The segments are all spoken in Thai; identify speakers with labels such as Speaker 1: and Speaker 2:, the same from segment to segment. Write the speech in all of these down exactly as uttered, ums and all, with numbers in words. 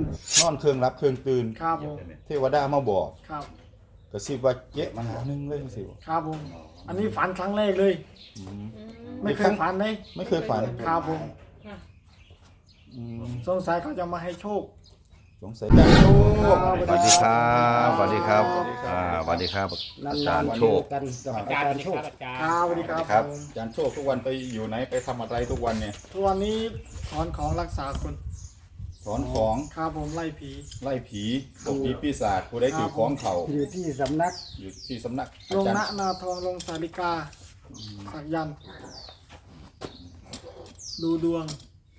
Speaker 1: นอนเครื่องรับเครื่องตื่น
Speaker 2: ครับผม
Speaker 1: เทวดามาบอก
Speaker 2: ครับ
Speaker 1: กระซิบว่าเจ๊มาหาหนึ่งเลยสิ
Speaker 2: ครับผมอันนี้ฝันครั้งแรกเลย
Speaker 1: อืม
Speaker 2: ไม่เคยฝันเลย
Speaker 1: ไม่เคยฝัน
Speaker 2: ครับผม
Speaker 1: อืม
Speaker 2: สงสัยเขาจะมาให้โชค
Speaker 1: สงสัยอาจารย์โชค
Speaker 3: สวัสดีครับสวัสดีครับอ่าสวัสดีครับอาจารย์โชค
Speaker 4: กันกับอาจารย์โชค
Speaker 2: ครับสวัสดีครับ
Speaker 1: ครับ
Speaker 2: ผม
Speaker 1: อาจารย์โชคทุกวันไปอยู่ไหนไปทำอะไรทุกวันเนี่ย
Speaker 2: ทุกวันนี้ถอนของรักษาคน
Speaker 1: ถอนของ
Speaker 2: ครับผมไล่ผี
Speaker 1: ไล่ผีพวกผีปีศาจผู้ใดถือของเขา
Speaker 4: อยู่ที่สำนัก
Speaker 1: อยู่ที่สำนัก
Speaker 2: ล
Speaker 1: อาง จาร
Speaker 2: ณ
Speaker 1: ย์
Speaker 2: นาทองลงสาริกาสักยันต์ดูดวง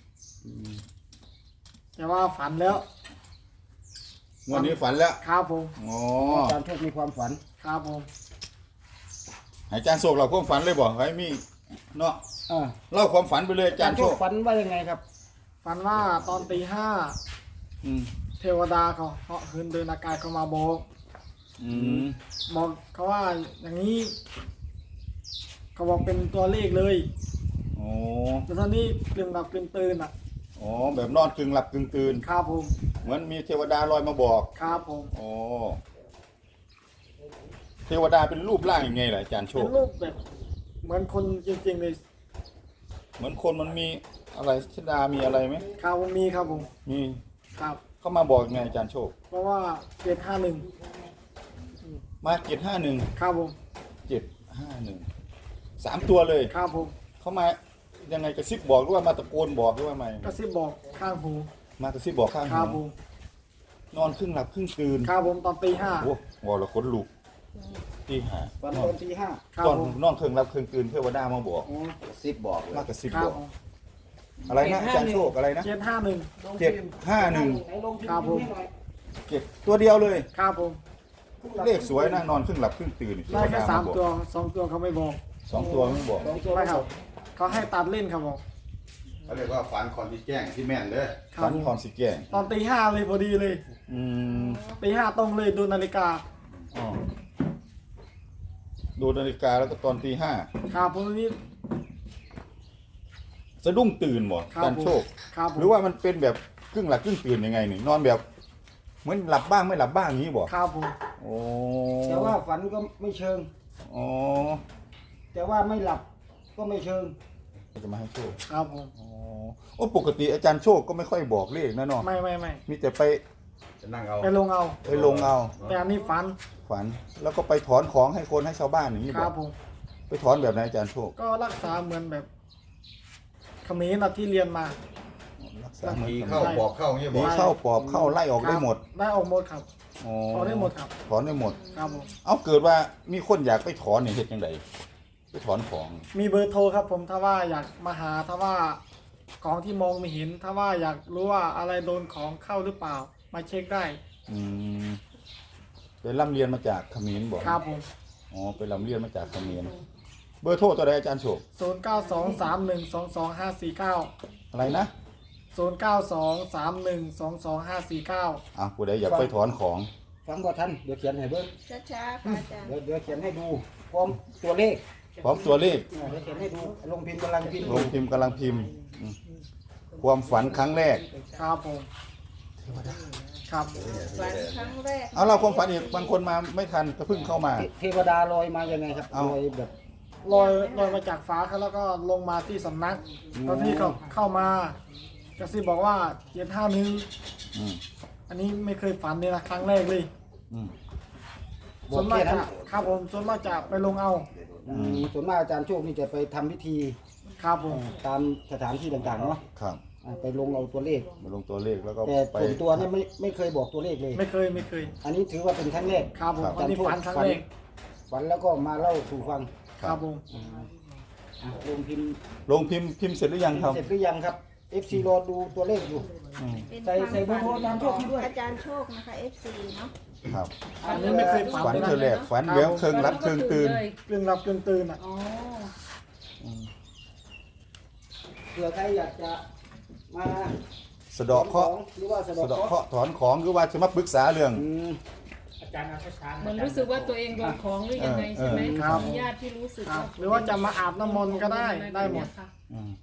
Speaker 2: แต่ว่าฝันแล้ว
Speaker 1: วันนี้ฝันแล้ว
Speaker 2: ครับผม
Speaker 1: อ๋อ
Speaker 4: อาจารย์โชคมีความฝัน
Speaker 2: ครับผม
Speaker 1: ให้อาจารย์โชคเราความฝันเลยบอกให้มีเนาะ
Speaker 4: อ่า
Speaker 1: เล่าความฝันไปเลยอา
Speaker 4: อา
Speaker 1: จา
Speaker 4: จาร ร
Speaker 1: ย์
Speaker 4: ย์
Speaker 1: โช
Speaker 4: โช
Speaker 1: ค
Speaker 4: คฝันว่ายังไงครับ
Speaker 2: ฝันว่าตอนตีห้า
Speaker 1: อืม
Speaker 2: เทวดาเขาเหาะเหินเดินอากาศเขามาบอก
Speaker 1: อืม
Speaker 2: บอกเขาว่าอย่างนี้ เขาบอกเป็นตัวเลขเลย
Speaker 1: โอ้
Speaker 2: แล้วตอนนี้กลืนหลับกลืนตื่นอ่ะ
Speaker 1: อ๋อแบบนอนกึ่งหลับกึ่งตื่น
Speaker 2: ครับผม
Speaker 1: เหมือนมีเทวดาลอยมาบอก
Speaker 2: ครับผม
Speaker 1: อ๋อเทวดาเป็นรูปร่างยังไงล่ะอาจารย์โช
Speaker 2: เป็
Speaker 1: คน
Speaker 2: รูปแบบ เหมือนคนจริงๆเลย
Speaker 1: เหมือนคนมันมีอะไรชดามีอะไรไหม
Speaker 2: ครับผมมีครับผม
Speaker 1: มี
Speaker 2: ครับ
Speaker 1: เข้ามาบอกยังไงอาจารย์โชค
Speaker 2: เพราะว่าเจ็ดห้าหนึ่ง
Speaker 1: มาเจ็ดห้าหนึ่ง
Speaker 2: ครับผม
Speaker 1: เจ็ดห้าหนึ่งสามตัวเลย
Speaker 2: ครับผม
Speaker 1: เข้ามายังไงกระซิบบอกหรือว่ามาตะโกนบอกหรือว่าไง
Speaker 2: กระซิบบอกข้างหู
Speaker 1: มากระซิบบอกข้าง
Speaker 2: ครับ
Speaker 1: หู
Speaker 2: ผม
Speaker 1: นอนครึ่งหลับครึ่งตื่น
Speaker 2: ครับผมตอนตีห้า
Speaker 1: โอ้วอละขนลุกที่หา
Speaker 4: ฝันตอนที่ห้า
Speaker 2: ครับ
Speaker 1: ตอน
Speaker 2: ผม
Speaker 1: นอนครึ่งหลับครึ่งตื่นเทวดามาบอก
Speaker 4: อ๋อสิบบอกเลย
Speaker 1: มากระซิบ
Speaker 2: ครับ
Speaker 1: อบ ก
Speaker 2: ผม
Speaker 1: อะไรนะอาจารย์โชคอะไรนะ
Speaker 2: เจ็ดห้าหนึ่ง
Speaker 1: เจ็ดห้าหนึ่ง
Speaker 2: ครับผม
Speaker 1: เจ็ดตัวเดียวเลย
Speaker 2: ครับผม
Speaker 1: เลขสวยนะนอนครึ่งหลับครึ่งตื่นเท
Speaker 2: ได้
Speaker 1: ว
Speaker 2: แค่
Speaker 1: ดา
Speaker 2: สาม
Speaker 1: บอก
Speaker 2: ตัวสองตัวเขาไม่บอก
Speaker 1: สองตัวไม่บอก
Speaker 4: สองตัว
Speaker 2: ไม่ครับเขาให้ตัดเล่นครับผม
Speaker 3: เขาเรียกว่าฝันคอนที่แจ้งที่แม่นเลย
Speaker 2: ครับ
Speaker 1: ฝัน
Speaker 2: ผม
Speaker 1: คอนสิแก่ง
Speaker 2: ตอนตีห้าเลยพอดีเลย
Speaker 1: อืม
Speaker 2: ตีห้าตรงเลยดูนาฬิกา
Speaker 1: อ๋อดูนาฬิกาแล้วก็ตอนตีห้า
Speaker 2: ครับผมนี่
Speaker 1: สะดุ้งตื่นหมด
Speaker 2: ครับ
Speaker 1: การโชค
Speaker 2: ครับผม
Speaker 1: หรือว่ามันเป็นแบบครึ่งหลับครึ่งตื่นยังไงนี่นอนแบบเหมือนหลับบ้างไม่หลับบ้างอย่างนี้บอก
Speaker 2: ครับผม
Speaker 1: โอ้
Speaker 4: แต่ว่าฝันก็ไม่เชิง
Speaker 1: อ๋อ
Speaker 4: แต่ว่าไม่หลับก็ไม่เชิง
Speaker 1: จะมาให้โชค
Speaker 2: ครับผม
Speaker 1: อ๋อโอ้ปกติอาจารย์โชคก็ไม่ค่อยบอกเลขนะเนาะ
Speaker 2: ไม่ไม่ไม่
Speaker 1: มีแต่ไป
Speaker 3: จะนั่งเอา
Speaker 2: ไปลงเอา
Speaker 1: ไปลงเอา
Speaker 2: แต่อันนี้ฝัน
Speaker 1: ฝัน แล้วก็ไปถอนของให้คนให้ชาวบ้านอย่างนี้
Speaker 2: ค
Speaker 1: บ
Speaker 2: รั
Speaker 1: อบ ก
Speaker 2: ผม
Speaker 1: ไปถอนแบบไหนอาจารย์โชค
Speaker 2: ก็รักษาเหมือนแบบเขมรนะที่เรียนมา
Speaker 1: รักษาเหมือน
Speaker 3: ผี
Speaker 1: กัน
Speaker 3: เข้าบอกเข้าอย่างเงี้ยบ
Speaker 1: ผี
Speaker 3: อก
Speaker 1: เข้าปอบเข้าไล่ออกได้หมด
Speaker 2: ได้ออกหมดครับ
Speaker 1: อ๋อ
Speaker 2: ถอนได้หมดครับ
Speaker 1: ถอนได้หมด
Speaker 2: ครับผม
Speaker 1: เอาเกิดว่ามีคนอยากไปถอนเนี่ยเฮ็ดยังไงไปถอนของ
Speaker 2: มีเบอร์โทรครับผมถ้าว่าอยากมาหาถ้าว่าของที่มองไม่เห็น ถ้าว่าอยากรู้ว่าอะไรโดนของเข้าหรือเปล่า มาเช็คได้
Speaker 1: อืมไปร่ำเรียนมาจากเขมรบอก
Speaker 2: ครับผม
Speaker 1: อ๋อไปร่ำเรียนมาจากเขมรเบอร์โทรตัวใดอาจารย์โชค
Speaker 2: ศูนย์เก้าสองสามหนึ่งสองสองห้าสี่เก้า
Speaker 1: อะไรนะ
Speaker 2: ศูนย์เก้าสองสามหนึ่งสองสองห้าสี่เก้า
Speaker 1: อ่ะผู้ใดอยากไปถอนของ
Speaker 4: ฟังบ่ทันเดี๋ยวเขียนให้เบิ้ง
Speaker 5: ช้าๆค่ะอาจารย์
Speaker 4: เดี๋ยวเดี๋ยวเขียนให้ดูพร้อมตัวเลข
Speaker 1: พร้อมตัวเลข
Speaker 4: อ่าเดี๋ยวเขียนให้ดูลงพิมพ์กำลังพิมพ์
Speaker 1: ลงพิมพ์กำลังพิมพ์อืมความฝันครั้งแรก
Speaker 2: ครับผมครับ
Speaker 5: ฝันครั้งแรก
Speaker 1: เอาเราความฝันอีกบางคนมาไม่ทันก็เพิ่งเข้ามา
Speaker 4: เทวดาลอยมายังไงครับ
Speaker 1: เอา
Speaker 4: ลอยแบบ
Speaker 2: ลอยลอยมาจากฟ้าครับแล้วก็ลงมาที่สำนักตอนที่เขาเข้ามากระซิบบอกว่าเจ็ดห้าหนึ่ง
Speaker 1: อืม
Speaker 2: อันนี้ไม่เคยฝันเลยนะครั้งแรกเลย
Speaker 1: อืม
Speaker 4: บ
Speaker 2: ส่
Speaker 4: อ
Speaker 2: ว
Speaker 4: ก
Speaker 2: นมาก
Speaker 4: แค่นั้
Speaker 2: จะ
Speaker 4: น
Speaker 2: ครับผมส่วนมากจะไปลงเอา
Speaker 4: อืมส่วนมากอาจารย์โชคนี่จะไปทำพิธี
Speaker 2: ครับผม
Speaker 4: ตามสถานที่ต่างๆเนาะ
Speaker 1: ครับ
Speaker 4: อ่าไปลงเอาตัวเลข
Speaker 1: มาลงตัวเลขแล้วก็
Speaker 4: แต่
Speaker 1: ไป
Speaker 4: ส่วนตัวเนี่ยไม่ไม่เคยบอกตัวเลขเลย
Speaker 2: ไม่เคยไม่เคย
Speaker 4: อันนี้ถือว่าเป็นครั้งแรก
Speaker 2: ครับผม
Speaker 1: ครับ
Speaker 2: อันนี้ฝันครั้งแรก
Speaker 4: ฝันแล้วก็มาเล่าสู่ฟัง
Speaker 2: ครับผม
Speaker 4: อ่ะลงพิมพ์
Speaker 1: ลงพิมพ์พิมพ์เสร็จหรือยังครับ
Speaker 4: เสร็จหรือยังครับ เอฟ ซี รอดูตัวเลขอยู่
Speaker 1: อืม
Speaker 5: เป็น
Speaker 4: ใส่
Speaker 5: ความ
Speaker 4: ใส่เบอร์โทร
Speaker 5: ฝัน
Speaker 4: อาจารย์โชคให้ด้วย
Speaker 5: อาจารย์โชคนะคะ เอฟ ซี เนาะ
Speaker 1: ครับ
Speaker 2: อันนี้ไม่เคยฝัน
Speaker 1: ฝัน
Speaker 2: เลย
Speaker 1: เธอแร
Speaker 2: นะ
Speaker 1: กฝันแล้วเครื่องรับเครื่องตื่น
Speaker 2: กลึงหลับกลึงตื่นอ่ะ
Speaker 5: อ๋อ
Speaker 4: เผื่อใครอยากจะมา
Speaker 1: สะเดาะเคราะห์
Speaker 4: หรือว่าสะ
Speaker 1: สะ
Speaker 4: เดาะ
Speaker 1: เดาะ
Speaker 4: เคราะห์
Speaker 1: เคราะห์ถอนของหรือว่าจะมาปรึกษาเรื่อง
Speaker 4: อืม
Speaker 6: เหมือนรู้สึกว่าตัวเองโดนของหรือยังไงใช่ไหม
Speaker 1: เออเออ
Speaker 6: มีญาติที่รู้สึก
Speaker 2: ครับ
Speaker 6: ว่า
Speaker 2: หรือว่าจะมาอาบน้ำมนต์ก็ได้ได้หมด
Speaker 1: อืม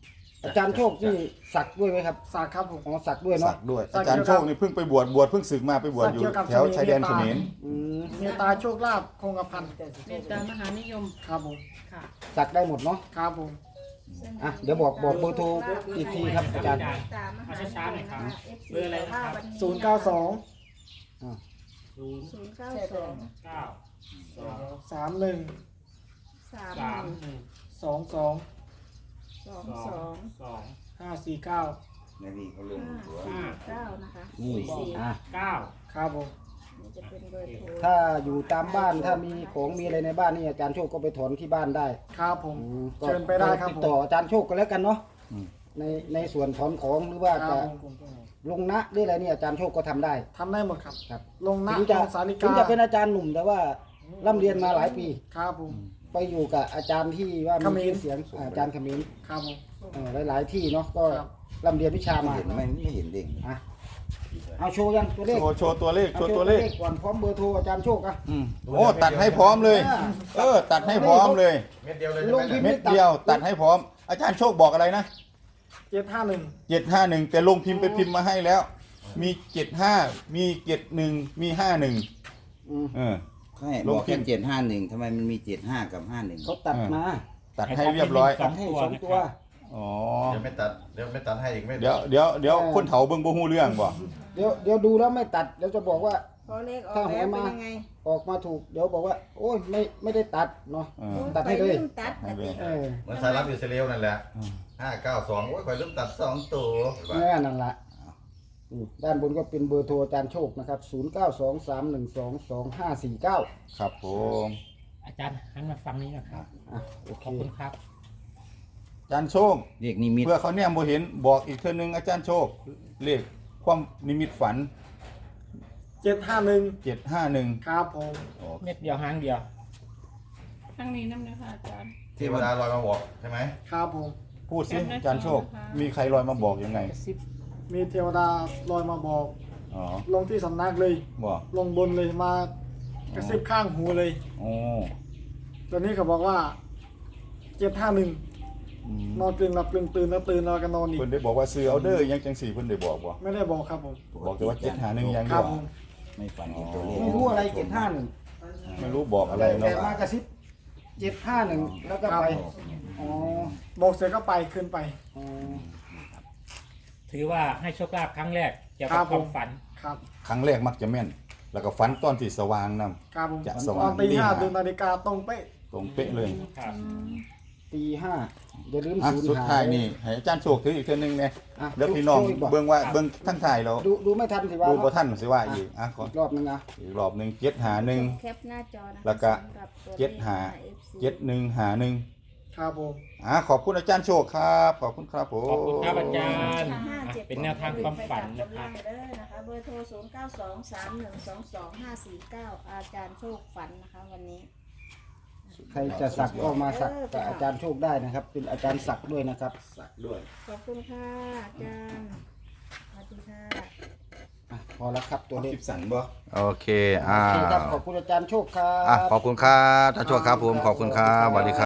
Speaker 4: อาจารย์โชคนี่สักด้วยไหมครับ
Speaker 2: สักครับผม
Speaker 4: อ๋อสักด้วย
Speaker 1: สั
Speaker 4: เนาะ
Speaker 1: กด้วย
Speaker 2: สัก
Speaker 1: อาจารย์โชคนี่เพิ่งไปบวชบวชเพิ่งศึกมาไปบวชอยู่
Speaker 2: สักเกี่ยวกับ
Speaker 1: แถวชายแดนเขมร
Speaker 4: อืม
Speaker 2: เมตตาโชคลาภคงกระพัน
Speaker 6: เมตตามหานิยม
Speaker 2: ครับผม
Speaker 6: ค่ะ
Speaker 4: สักได้หมดเนาะ
Speaker 2: ครับผม
Speaker 4: อ่ะเดี๋ยวบอกบอกเบอร์โทรอีกทีครับอาจารย์
Speaker 5: ตามมหานิยมนะคะ เอฟ ซี
Speaker 7: เบอร์อะไรนะครับ
Speaker 2: ศูนย์เก้าสอง
Speaker 7: ศูนย์
Speaker 5: ศูนย์เก้าสอง
Speaker 7: เก้าสอง
Speaker 2: สามหนึ่ง
Speaker 5: สาม
Speaker 7: สาม
Speaker 5: หนึ่ง
Speaker 7: หนึ่ง
Speaker 2: สองสอง
Speaker 5: สอง
Speaker 7: ส
Speaker 5: ส
Speaker 7: อ
Speaker 5: อง ง
Speaker 7: สอง
Speaker 2: ห้าสี่เก้า
Speaker 1: ในนี่เขาลง
Speaker 5: ห้า
Speaker 1: ตัว
Speaker 5: สี่เก้านะคะ
Speaker 4: นี่
Speaker 5: สี่
Speaker 4: อ่ะ
Speaker 7: เก้า
Speaker 2: ครับผม
Speaker 5: นี่จะเป็นเบอร์โทร
Speaker 4: ถ้าอยู่ตามบ้านถ้ามีของมีอะไรในบ้านนี่อาจารย์โชคก็ไปถอนที่บ้านได้
Speaker 2: ครับผม
Speaker 4: อืมก็
Speaker 2: เชิญไปได้ครับ
Speaker 4: ติด
Speaker 2: ผม
Speaker 4: ต่ออาจารย์โชคกันแล้วกันเนาะในในส่วนถอนของหรือว่า
Speaker 2: ครั
Speaker 4: จะ
Speaker 2: บผม
Speaker 4: ลงนะหรืออะไรเนี่ยอาจารย์โชคก็ทำได้
Speaker 2: ทำได้หมดครับ
Speaker 4: ครับ
Speaker 2: ลงหน้า
Speaker 4: ถึงจะ
Speaker 2: ลงสาริ
Speaker 4: ถึง
Speaker 2: กา
Speaker 4: จะเป็นอาจารย์หนุ่มแต่ว่าร่ำเรียนมาหลายปี
Speaker 2: ครับผม
Speaker 4: ไปอยู่กับอาจารย์ที่ว่า
Speaker 2: เขม
Speaker 4: มี
Speaker 2: ร
Speaker 4: ชื่อเสียงอาจารย์เขมิ้น
Speaker 2: ครับผม
Speaker 4: เออหลาย ๆ ที่เนาะก็
Speaker 2: ครับ
Speaker 4: ร่ำเรียนวิชา
Speaker 1: ไม่
Speaker 4: มา
Speaker 1: เห็นไม่ไม่เห็นเด้ง
Speaker 4: อ่ะเอาโชว์ยังตัวเลข
Speaker 1: โชว์โชว์ตัวเลขโช
Speaker 4: เอา
Speaker 1: ว์ตัวเลข
Speaker 4: ก่อนพร้อมเบอร์โทรอาจารย์โชคอ่ะ
Speaker 1: อืมโอ้ตัดให้พร้อมเลย เออ ตัดให้พร้อมเลย
Speaker 8: เม็ดเดียวเลย
Speaker 4: ล
Speaker 8: ใช่ไหม
Speaker 4: งพิมพ์
Speaker 1: เม็ดเดียวตัดให้พร้อม อาจารย์โชคบอกอะไรนะ
Speaker 2: เจ็ดห้าหนึ่ง
Speaker 1: เจ็ดห้าหนึ่งแต่ลงพิมพ์ไปพิมพ์มาให้แล้ว มีเจ็ดห้ามีเจ็ดหนึ่งมีห้าหนึ่ง
Speaker 4: อืม
Speaker 1: เออ
Speaker 9: ใช่
Speaker 1: ล
Speaker 9: บ
Speaker 1: ง
Speaker 9: อก
Speaker 1: พิ
Speaker 9: แค่
Speaker 1: มพ์
Speaker 9: เจ็ดห้าหนึ่งทำไมมันมีเจ็ดห้ากับห้าหนึ่ง
Speaker 4: เขาตัดมา
Speaker 1: ตัดให้เรียบร้อย
Speaker 4: ตัดให้สองตัว
Speaker 1: อ๋อ
Speaker 8: เดี๋ยวไม่ตัด เดี๋ยวไม่ตัดให้อีกไม่
Speaker 1: เดี๋ยวเดี๋ยวเดี๋ยวคนเถาเบิ่งบ่ฮู้เรื่องบ่
Speaker 4: เดี๋ยวเดี๋ยวดูแล้วไม่ตัดเดี๋ยวจะบอกว่า
Speaker 5: พอเลขออก
Speaker 4: ถ้าห
Speaker 5: แล้ว
Speaker 4: วย
Speaker 5: เป็
Speaker 4: มา
Speaker 5: นยังไง
Speaker 4: ออกมาถูกเดี๋ยวบอกว่า โอ้ยไม่ไม่ได้ตัดเนาะ
Speaker 1: เออ
Speaker 5: โอ้ย
Speaker 4: ตัดให้เลย
Speaker 5: ไปมตัด
Speaker 1: ให้
Speaker 5: นะ
Speaker 1: เลย
Speaker 5: ติ
Speaker 4: เออ
Speaker 8: เหมือนสายรับอิสราเอลนั่นแหละ
Speaker 1: อืม
Speaker 8: ห้าเก้าสองโอ้ยคอยลืมตัดสองตัว
Speaker 4: แน่นั่นละนี่ด้านบนก็เป็นเบอร์โทรอาจารย์โชคนะครับศูนย์ เก้า สอง สาม หนึ่ง สอง สอง ห้า สี่ เก้า
Speaker 1: ครับผม
Speaker 7: อาจารย์หันมาฟังนี้นะครับ
Speaker 4: อ่ะโอเค
Speaker 7: ขอบคุณครับ
Speaker 1: อาจารย์โชค
Speaker 9: เรียกนิมิต
Speaker 1: เพื่อเขาเนี่ยบ่เห็นบอกอีกเทื่อนึงอาจารย์โชคเลขความนิมิตฝัน
Speaker 2: เจ็ดห้าหนึ่ง
Speaker 1: เจ็ดห้าหนึ่ง
Speaker 2: ครับผม
Speaker 7: เม็ดเดียวหางเดียว
Speaker 6: ครั้งนี้น้ำนะคะอาจารย์
Speaker 8: เทวดาลอยมาบอกใช่ไหม
Speaker 2: ครับผม
Speaker 1: พูดสิอาจารย์โชค มีใครลอยมาบอกยังไง
Speaker 2: มีเทวดาลอยมาบอก
Speaker 1: อ๋อ
Speaker 2: ลงที่สำนักเลย
Speaker 1: บอก
Speaker 2: ลงบนเลยมากระซิบข้างหูเลย
Speaker 1: โอ้
Speaker 2: ตอนนี้เขาบอกว่าเจ็ดห้าหนึ่ง
Speaker 1: อืม
Speaker 2: นอนกลึงหลับกลึงตื่นแล้วตื่นแล้วก็นอนอีก
Speaker 1: เพิ่นได้บอกว่าซื้อเอาเด้อยังจังสี่เพิ่นได้บอกบ่
Speaker 2: ไม่ได้บอกครับผม
Speaker 1: บอกแต่ว่าเจ็ดหาหนึ่งอย่าง
Speaker 2: ค
Speaker 1: เดี
Speaker 2: รั
Speaker 1: ย
Speaker 2: บ
Speaker 1: ว
Speaker 2: ผม
Speaker 9: ไม่ฝันเห็นตัวเลข
Speaker 4: ไม่รู้อะไรเจ็ดห้าหนึ่ง
Speaker 1: ไม่รู้บอกอะไร
Speaker 4: แต่
Speaker 1: เนาะ
Speaker 4: มากระซิบเจ็ดห้าหนึ่งแล้วก็ไปอ๋อ
Speaker 2: บอกเสร็จก็ไปขึ้นไป
Speaker 4: อ๋อ
Speaker 7: ถือว่าให้โชคลาภครั้งแรกเกี่ยว
Speaker 2: ครั
Speaker 7: กับบ ค
Speaker 2: ผม
Speaker 7: วามฝัน
Speaker 2: ครับ
Speaker 1: ครั้งแรกมักจะแม่น แล้วก็ฝันตอนที่สว่างนํ
Speaker 2: ครับผม
Speaker 1: จะส
Speaker 2: ต
Speaker 1: ว่า
Speaker 2: อง นตีห้า
Speaker 1: ตีห้า
Speaker 2: ดูนาฬิกาตรงเป๊ะ
Speaker 1: ตรงเป๊ะเลย
Speaker 7: ครับ
Speaker 4: ตีห้าอย่าลืม
Speaker 1: อ่ะ
Speaker 4: ศูนย์
Speaker 1: สุด
Speaker 4: หา
Speaker 1: ท้ายนี่ให้อาจารย์โชคถืออีกเทื่อนึงแน่
Speaker 4: อ่ะ
Speaker 1: เดี๋ยวพี่น้อง
Speaker 4: โชว์อีกบ่
Speaker 1: เบิ่งว่าเบิ่งทั้งท้ายแล้ว
Speaker 4: ดูดูไม่ทันสิว่า
Speaker 1: ดูบ่
Speaker 4: เนาะ
Speaker 1: ทันสิว่าอีกอ่ะขอ
Speaker 4: อีกรอบนึงอ่ะ
Speaker 1: อีกรอบหนึงเจ็ดหาหนึ่ง
Speaker 5: แคปหน้าจอนะคะ
Speaker 1: แล้วก็
Speaker 5: สำหรับตัวลข
Speaker 1: เจ็ดหา
Speaker 5: เอฟซี
Speaker 1: เจ็ดหนึ่งหาหนึ่ง
Speaker 2: ครับผม
Speaker 1: อ่ะขอบคุณอาจารย์โชคครับ ขอบคุณครับผม
Speaker 7: ขอบคุณครับอาจารย์
Speaker 5: ห้า
Speaker 7: อ่ะ
Speaker 5: เจ็ด
Speaker 7: เป็นแนวทางความฝันนะค
Speaker 5: ไป
Speaker 7: รับ
Speaker 5: ตัดกำลังเด้อนะคะเบอร์โทรศูนย์เก้าสองสามหนึ่งสองสองห้าสี่เก้าอาจารย์โชคฝันนะคะวันนี้
Speaker 4: ใครจะสักก็มาสักกับอาจารย์โชคได้นะครับ เป็นอาจารย์สักด้วยนะครับ
Speaker 1: สักด้วย
Speaker 5: ขอบคุณค่ะอาจารย์สวัสดีค่ะ
Speaker 4: อ่ะพอแล้วครับตัวเลข
Speaker 1: คลิปสั่นบ่
Speaker 3: โอเคอ่า
Speaker 4: โอเคครับขอบคุณอาจารย์โชคครับ
Speaker 3: อ่ะขอบคุณครับท่านโชคครับผมขอบคุณครับสวัสดีครับ